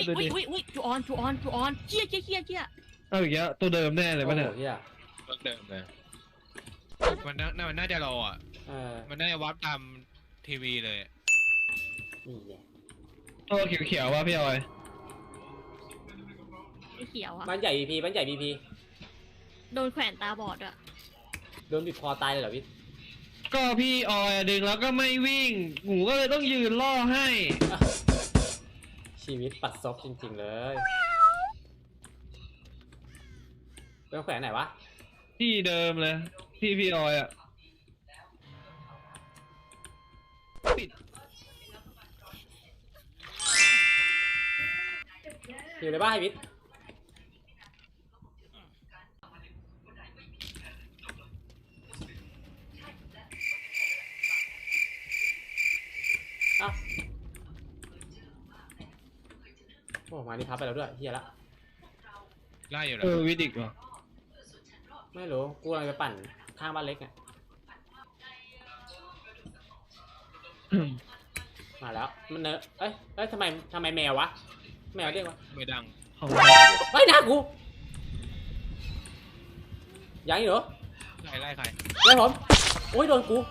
ดูดิอุ้ยจูออนเจี๊ยเอาอีกแล้วตัวเดิมแน่เลยป่ะเนี่ยโอ้โหเหี้ยรถเดิมเลยมันน่าจะรออ่ะ มันน่าจะวับตามทีวีเลยนี่ไงตัวเขียวๆว่ะพี่ออยไอ้เขียวอะบ้านใหญ่บีพีบ้านใหญ่บีพีโดนแขวนตาบอดอะโดนบีบคอตายเลยเหรอพี่ก็พี่ออยดึงแล้วก็ไม่วิ่งหนูก็เลยต้องยืนล่อให้ชีวิตปัดซบจริงๆเลยเป็นแขวนไหนวะที่เดิมเลยที่พี่ออยอ่ะปิดอยู่ในบ้านไอ้วิทย์เอ้าโอ้มานี่ทับไปแล้วด้วยเฮียละไล่อยู่แล้วิดิกเหรอไม่รู้กูกำลังจะปั่นข้างบ้านเล็กเนี่ยมาแล้วมันเนอะเอ้ยทำไมแมววะแมวเรียกวะไม่ดังของเฮ้ยหน้ากูยังอีกเหรอไล่ใครไล่ผมโอ้ยโดนกู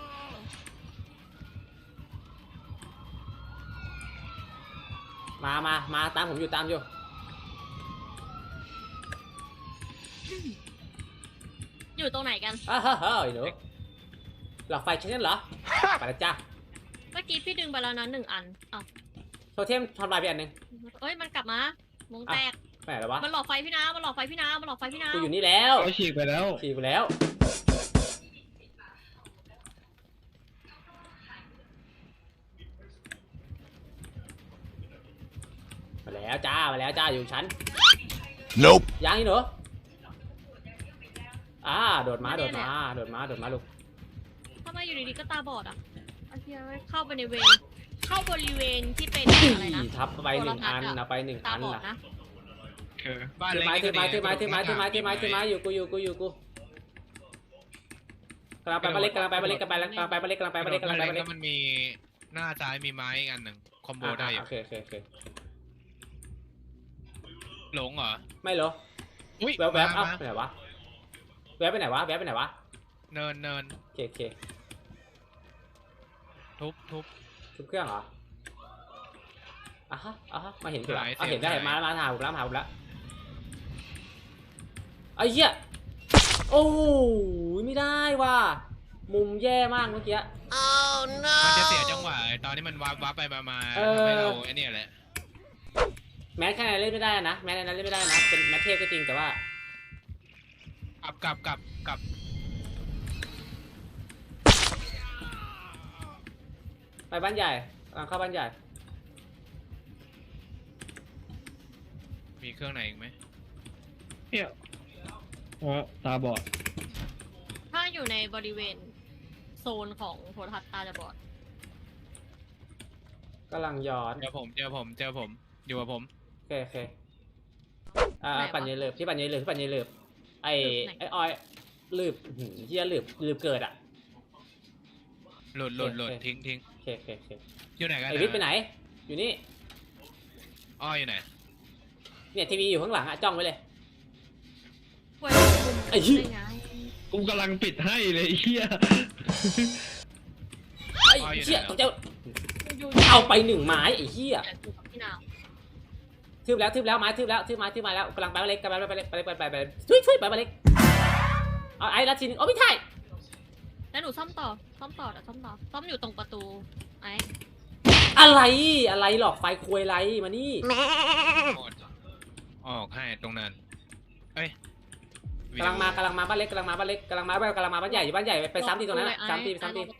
มาตามผมอยู่ตามอยู่อยู่ตรงไหนกันเฮ้ยหนูหลอดไฟใช่ไหมเหรอไปแล้วจ้าเมื่อกี้พี่ดึงไปแล้วนะ1 อันอ้าวโทเทมทำลายไปอันหนึ่งเอ้ยมันกลับมาวงแตกไปไหนแล้ววะมันหลอกไฟพี่น้ำมันหลอกไฟพี่น้ำกูอยู่นี่แล้วเขาฉีกไปแล้วขี่ไปแล้วมาแล้วจ้าอยู่ชั้น Nope. ยังอีกเหรอโดดมาลูกทำไมอยู่ดีๆก็ตาบอดอะไอ้เหี้ยเข้าไปในเข้าบริเวณที่เป็นอะไรนะทับไปหนึ่งอันนะไปหนึ่งตาอันบอดนะนะคือบ้านถือเล็กไม้อยู่กูกำลังไปบ้านเล็กแล้วมันมีหน้าซ้ายมีไม้อีกอันหนึ่งคอมโบได้อยู่โอเคหลงเหรอไม่เหรออุ้ยแวบไปไหนวะแวบไปไหนวะเนินโอเคทุบทุบเครื่องเหรอมาเห็นอยู่แล้วเห็นได้มาหาผมแล้วไอ้เหี้ยโอ้ยไม่ได้ว่ะมุมแย่มากเมื่อกี้มันจะเสียจังหวะตอนนี้มันวับไปมาทำให้เราไอ้นี่แหละแม้แค่ไหนเล่นไม่ได้นะแม้ในนั้นเล่นไม่ได้นะเป็นแมทเทพก็จริงแต่ว่ากลับไปบ้านใหญ่เข้าบ้านใหญ่มีเครื่องไหนอีกไหมเนี่ยตาบอดถ้าอยู่ในบริเวณโซนของโทรทัศน์ตาจะบอดกำลังย้อนเจอผมอยู่กับผมโอเคปั่นเยลือบที่ปั่นเยลือบไอ้ออยลืบเฮียลืบเกิดอ่ะหลุดทิ้งโอเคอยู่ไหนกันไอ้วิทย์ไปไหนอยู่นี่อ้ออยู่ไหนเนี่ยทีวีอยู่ข้างหลังอะจ้องไว้เลยป่วยไอ้เหี้ยได้ไงกูกำลังปิดให้เลยไอ้เหี้ยไอ้เหี้ยต้องเจ้าเอาไป1 ไม้ไอ้เหี้ยอยู่กับพี่นาวทืบแล้วไม้ทืบแล้วแล้วกำลังไปบ้านเล็กช่วยไปบ้านเล็กเอาไอ้ละทีนึงไม่ใช่แล้วหนูซ่อมต่อซ่อมอยู่ตรงประตูไอ้อะไรหลอกไฟควยไรมานี่ออกให้ตรงนั้นเอ้ยกำลังมาบ้านเล็กกำลังมาบ้านใหญ่ไปซ้ำทีตรงนั้นซ้ำที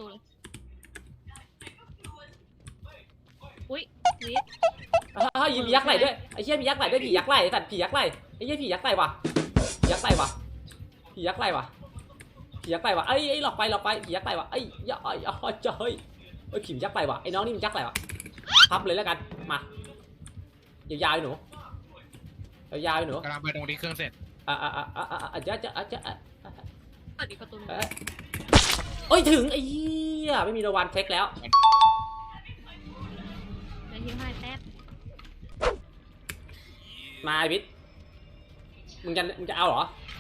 อุ้ยวิทย์ยิงยักษ์ไหลด้วยไอ้เหี้ยมียักษ์ไหลด้วยผียักษ์ไหลสัตว์ผียักษ์ไหลไอ้เหี้ยผียักษ์ไหลว่ะผียักษ์ไหลว่ะไอ้หลอกไปผียักษ์ไหลว่ะไอ้อย่าจะเฮ้ยผียักษ์ไหลว่ะไอ้น้องนี่มันยักษ์ไหลว่ะพับเลยแล้วกันมายาวๆหนูกำลังไปตรงที่เครื่องเสร็จจะเปิดอีกประตูโอ้ยถึงไอ้เหี้ยไม่มีรางวัลเทคแล้วในที่ให้แป๊บมาไอ้พิษมึงจะเอาเหรอ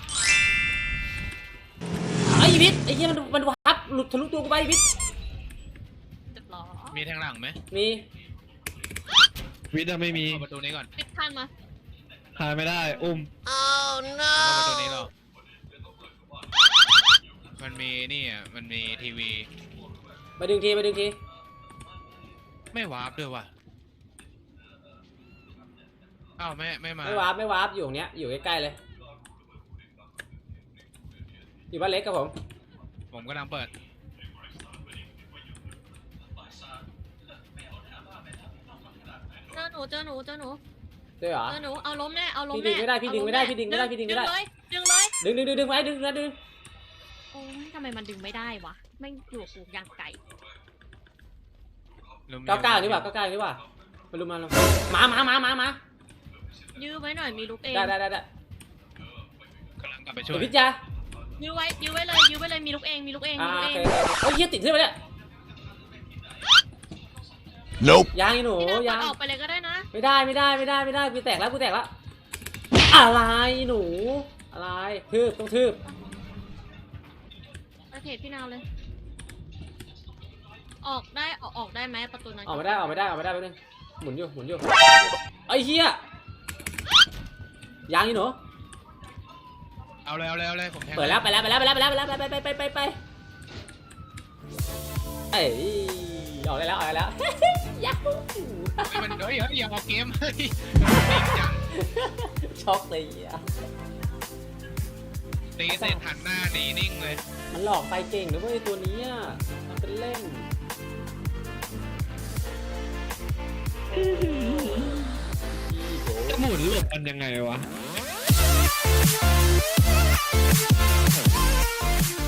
ไอ้พิษไอ้เหี้ยมันวับหลุดทะลุตัวกูไปไอ้พิษเรียบร้อยมีแทงหลังไหมมีวิทย์อะไม่มีเข้าประตูนี้ก่อนปิดทันมาขายไม่ได้ อุ้มเข้าประตูนี้หรอมันมีนี่อ่ะมันมีทีวีไปดึงทีไม่วาร์ปด้วยว่ะอ้าวไม่มาไม่วาร์ปอยู่ตรงเนี้ยอยู่ใกล้ๆเลยอยู่บ้านเล็กกับผมผมกำลังเปิดเจอหนูด้วยเหรอเจอหนูเอาล้มแน่เอาล้มพี่แน่ดึงไม่ได้พี่ดึงไม่ได้ดึงเลยดึงเลยดึงไว้ดึงโอ้ยทำไมมันดึงไม่ได้วะไม่อยู่กับกูอย่างไก่ 99นี่หว่ามาลุมมายื้อไว้หน่อยมีลูกเองได้กำลังกลับไปช่วเดี๋ยยวพิจ้ายื้อไว้เลยมีลูกเองมีลูกเองโอเคเฮ้ยเหี้ยติดขึ้นไปเนี่ย Nope. ยังไอ้หนูพี่น้ำยัเปิงดออกไปเลยก็ได้นะไม่ได้กูแตกแล้วอะไรหนูอะไรต้องทืบไปเพจพี่นาวเลย ออกได้ไหมประตูนั้นออกไม่ได้แป๊บนึงหมุนอยู่ไอ้เหี้ยยังไอ้หนูเอาเลยผมแทงเปิดแล้วไปเอ้ยออกได้แล้วยัฮูมันเฮ้ยอย่าออกเกมเฮ้ยช็อกเลยอ่ะตีเสร็จหันหน้าหนีนิ่งเลยมันหลอกไปเก่งนะเว้ยตัวนี้อ่ะมันเป็นเล่นจะหมุนหลบกันยังไงวะ